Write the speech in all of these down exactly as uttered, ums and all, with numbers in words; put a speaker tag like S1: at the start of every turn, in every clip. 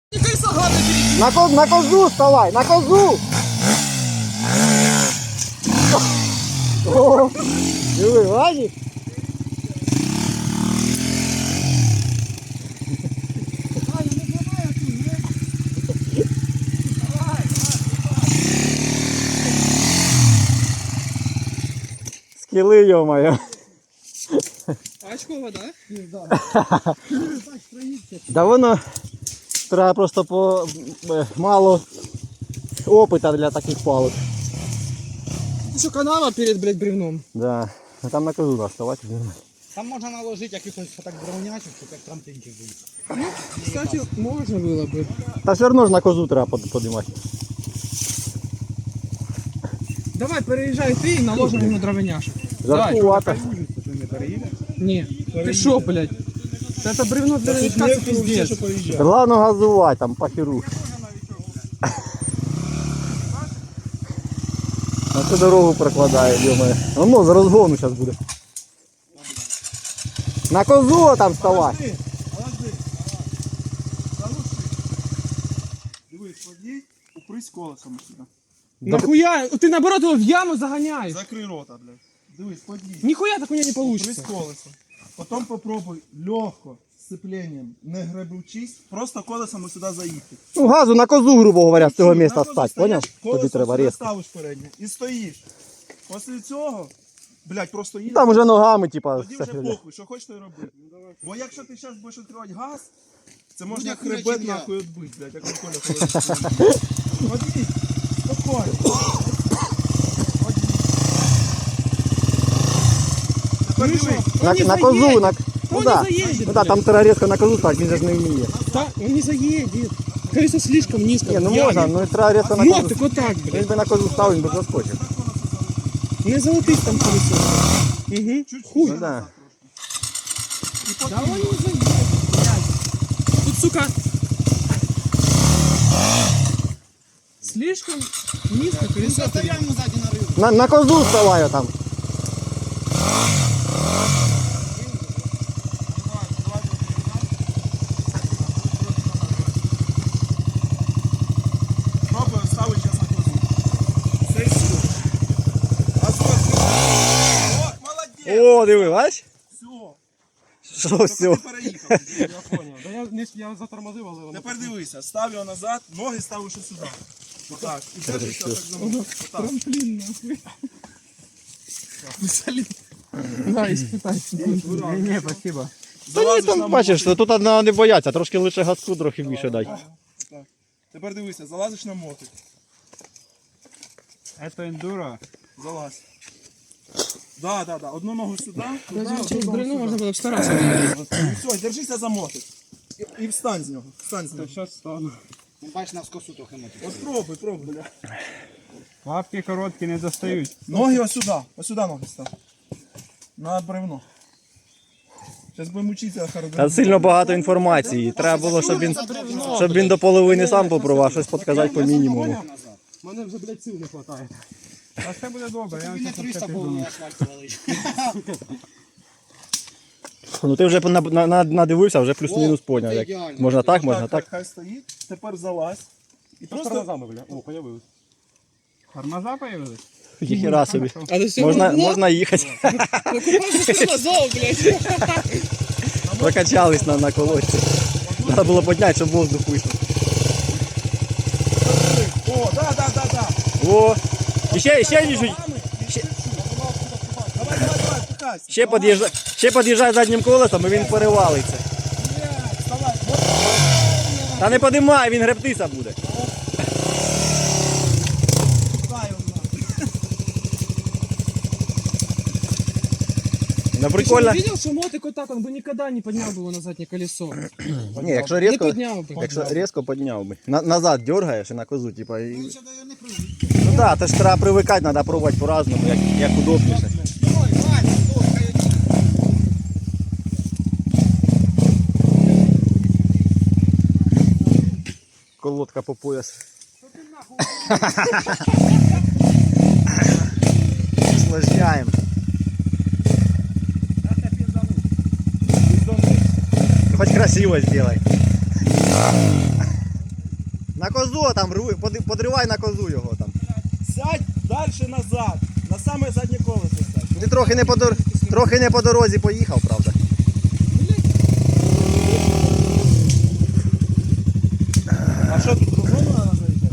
S1: На, ко, на козу вставай, на козу! О, диви, Вані. Скіли, йо-моє.
S2: Очкова, да?
S1: Да воно треба просто по мало опита для таких палок.
S2: Ты что, канава перед, блядь, бревном?
S1: Да. А там на козу наставати.
S3: Там можна наложити якихось так дровнячок, щоб як трамплінчик був.
S2: Ну, кстати, можно было бы.
S1: Та все одно ж на козу треба подимати.
S2: Давай, переезжай ты и наложим ему дровеняшек.
S1: Жаркувато.
S2: Не, ты шо, блядь? Это бревно для новичка, это пиздец.
S1: Главное газувати, там похеру. На цю дорогу прокладає, йо-моє. Воно з розгону зараз буде. На козу там вставай.
S4: Дивись, подій, упрись колесом сюди.
S2: Нахуя? Ты наоборот его в яму загоняешь.
S4: Закрий рота, блядь. Дивись, подій.
S2: Нихуя так у меня не
S4: Упрись
S2: получится.
S4: колесом. Потім попробуй легко, з сцепленням, не гребучись, просто колесом сюди заїхати.
S1: Ну газу на козу, грубо говоря, з цього місця
S4: На козу
S1: стать,
S4: стоїш,
S1: поняв? Тобі
S4: колесом
S1: треба
S4: сюди
S1: різко.
S4: ставиш переднє і стоїш. Після цього, блядь, просто їдеш.
S1: Там уже ногами, типа,
S4: Тоді
S1: все
S4: вже
S1: херня.
S4: похуй, що хочеш, то й роби. Бо якщо ти зараз будеш відкривати газ, це можна
S3: як
S4: хребет
S3: хуячить я.
S4: нахуй відбити, блядь, як у Коля Холодильник. Подій, спокійно. Тепер
S2: Ну і що?
S4: дивись.
S1: На,
S2: Он не
S1: на козу,
S2: заедет.
S1: на...
S2: Он
S1: Ну
S2: не
S1: да,
S2: заедет,
S1: ну да, там треба різко на козу стати, він же ж не вміє.
S2: Да, он не заедет. Колесо слишком низко.
S1: Ні, ну
S2: в яме.
S1: можна, ну треба різко на
S2: Ну,
S1: козу.
S2: так вот так,
S1: Він
S2: блядь.
S1: би на козу став, він би заскочив.
S2: Не золотись там колесо. Угу. Хуй.
S1: Ну да.
S2: Да он не заедет, блядь. Тут, сука, слишком низко колесо.
S3: Заставляємо ззаді на рибу.
S1: На, на козу вставай там.
S4: Пробуй ставити зараз на козу. Це все. А все. О, молодець.
S1: О, диви, бач?
S4: Все.
S1: Що
S4: Ти
S1: все?
S4: переїхав.
S2: Я понял. Да я, не, я затормозил, але воно...
S4: Тепер дивися, став його назад, ноги ставиш ось сюди. Отак. І держишся так за мною. Отак.
S2: Трамплин, нахуй. Солид. Да, испытай. Не, спасибо.
S1: Та ні,
S4: Залазиш на
S1: там бачиш,
S4: мотик.
S1: тут треба не боятися, трошки лише газку, трохи більше дай.
S4: Так. Тепер дивися, залазиш на мотик.
S2: Это эндуро.
S4: Залазь. Да, да, да. Одну ногу сюди. туди,
S2: Даже
S4: одну
S2: через
S4: ногу
S2: бревно
S4: сюди.
S2: можно было постараться.
S4: І все, держися за мотик. І, і встань з нього. Встань з нього.
S2: Сейчас стану.
S3: Ну, бачиш, на скосу трохи мотив.
S4: От пробуй, пробуй.
S2: Лапки короткі не достають.
S4: Ноги ось сюди. Ось сюди ноги став. На бревно. Зараз будемо вчитися характеристики.
S1: Та сильно багато інформації. Треба було, щоб він, щоб він до половини сам попробував, щось підказати по мінімуму.
S2: Мене вже, блядь, сил не хватає. А все буде добре, я
S3: Тобі не триста було на асфальті валить.
S1: Ну ти вже на- на- на- надивився, вже плюс-мінус поняв. Як
S3: ідеально.
S1: можна так, можна так.
S4: Хай стоїть. Тепер залазь. І просто...
S2: бля. О, появились. Тормоза появились?
S1: Ніхера собі.
S2: А до сього
S1: Можна, можна їхати.
S2: тормозов, блядь.
S1: Прокачались на, на колодці. Треба було підняти, щоб воздух вийшов.
S4: О, да, да, да, да.
S1: О, і ще, ще, ще,
S4: Ще... Давай, давай, давай, пихайся.
S1: ще, під'їжджай, ще під'їжджай заднім колесом і він перевалиться.
S4: Вставай.
S1: Та не підіймай, він гребтися буде.
S4: Дай його нахуй.
S1: Ну
S2: Ты
S1: прикольно.
S2: видел, что мотик вот так, он бы никогда не поднял бы его на заднее колесо.
S1: Ні, якщо
S2: Не
S1: різко,
S2: поднял бы.
S1: якщо різко підняв би. На, назад дергаєш і на козу, типа. І...
S3: Ну, ще не прийде.
S1: Ну так, да, це ж треба привикати, треба пробувати по-разному, як, як удобніше.
S3: Ой, Ваня, ой, хай.
S1: Колодка по пояс. Усложняємо. Хоть красиво сделай. На козу там, ру- поди- подривай на козу його там.
S4: Сядь далі назад. На саме заднє колесо сядь.
S1: Ти трохи не по, дор... трохи не по дорозі поїхав, правда.
S4: А що тут кругом треба заїжджати?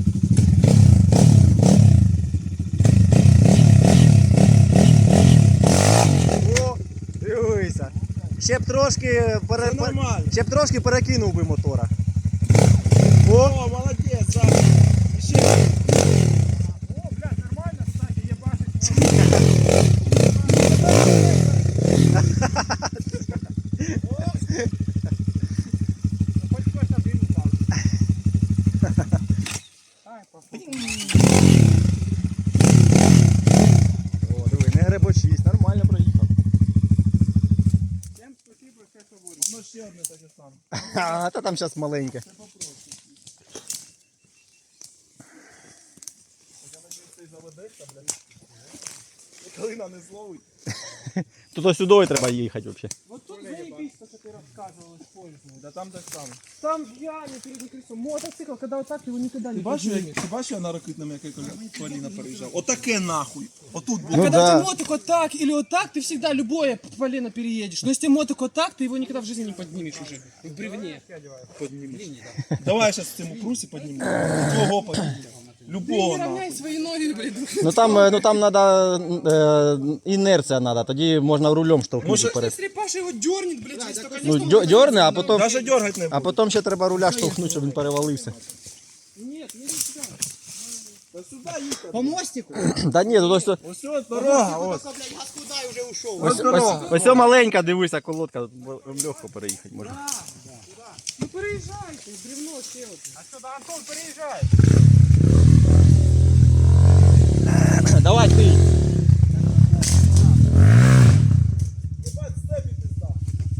S1: О, дивися. Ще б трошки, пере...
S4: Це нормально.
S1: ще б трошки перекинув би мотора. О,
S4: О, молодець, Саша. Ще. О, блядь, нормально, кстати, є бачить. Хоч хтось один упав.
S1: О, диви, не гребочись, нормально проїхав.
S4: Всім спасибо, все свободно. Ну ще одне таке саме.
S1: А, та там зараз маленьке.
S4: Я надіюсь, цей заведеться, блядь. Калина не зловить.
S1: Тут ось сюди треба їхати взагалі.
S2: Вот тут заебись, то, что ты рассказывал, использовал.
S4: Да там так само.
S2: Там в яме переднее колесо. Мотоцикл, когда вот так, его никогда не
S4: Ти бачив,
S2: поднимешь.
S4: як, ти бачив, я на ракетному, яке коліна переїжджав? Отаке нахуй. Отут було.
S1: Ну
S2: Когда
S1: да.
S2: ты мотик вот так или вот так, ты всегда любое полено переедешь. Но если мотик вот так, ты его никогда в жизни не поднимешь уже. В бревне.
S4: Давай я зараз в цьому прусі підніму. Твого підніму.
S2: Ты
S4: Любого
S2: не равняй
S4: нахуй.
S2: свои ноги, блин.
S1: Ну там, е, ну там треба е, інерція треба, тоді можна рулем штовхнути
S4: Може-
S1: вперед.
S2: Если Паша его дернет, блядь, через то
S1: Ну,
S2: колесо...
S1: дьо- дьорне, а потім,
S4: Даже дергать не
S1: а
S4: буду.
S1: потім ще треба руля штовхнути, щоб він перевалився.
S2: Нет, не сюда.
S4: Та сюди їхати.
S2: По мостику.
S1: Та ні, тут ось,
S4: Ось ось дорога, ось.
S1: ось, ось, ось, ось маленька, дивися, колодка, тут легко переїхати можна.
S2: Ну переезжайте, бревно сел.
S4: А що, да, Антон, переїжджай.
S1: Давай ти.
S4: Єбать, степі пізда.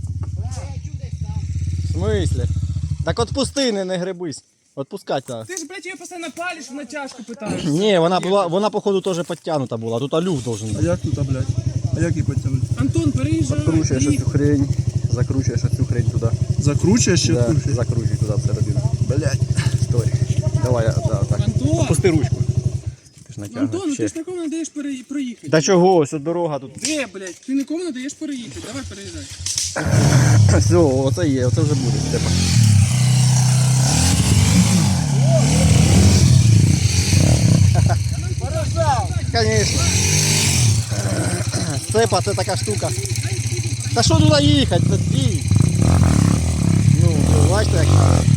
S1: В смислі? Так отпусти, не, не гребись. Отпускати треба.
S2: Ты же, блядь, ее постоянно палишь, в натяжку пытаешься.
S1: Ні, вона була, вона походу теж підтягнута була, тут алюх должен
S4: А
S1: бути.
S4: як тут, а, блядь? А як її підтягнути?
S2: Антон, переезжай.
S1: Закручуєш
S2: Дрифт.
S1: цю хрень, закручуєш цю хрень туди.
S4: Закручуєш ще
S1: Да,
S4: кручуєш?
S1: закручуй туди всередину. Блять. Стой. Давай, да, так.
S2: Антон!
S1: Опусти ручку. Ти ж натягнеш.
S2: Антон, ну
S1: ще.
S2: ти ж нікому не даєш пере... проїхати.
S1: Та чого, ось от дорога тут.
S2: Де, блядь, ти нікому не даєш переїхати. Давай переїжджай.
S1: Все, оце є, оце вже буде, Степа. Конечно. Степа, це така штука. Та що туди їхати? Та стій. Ну, бачите, як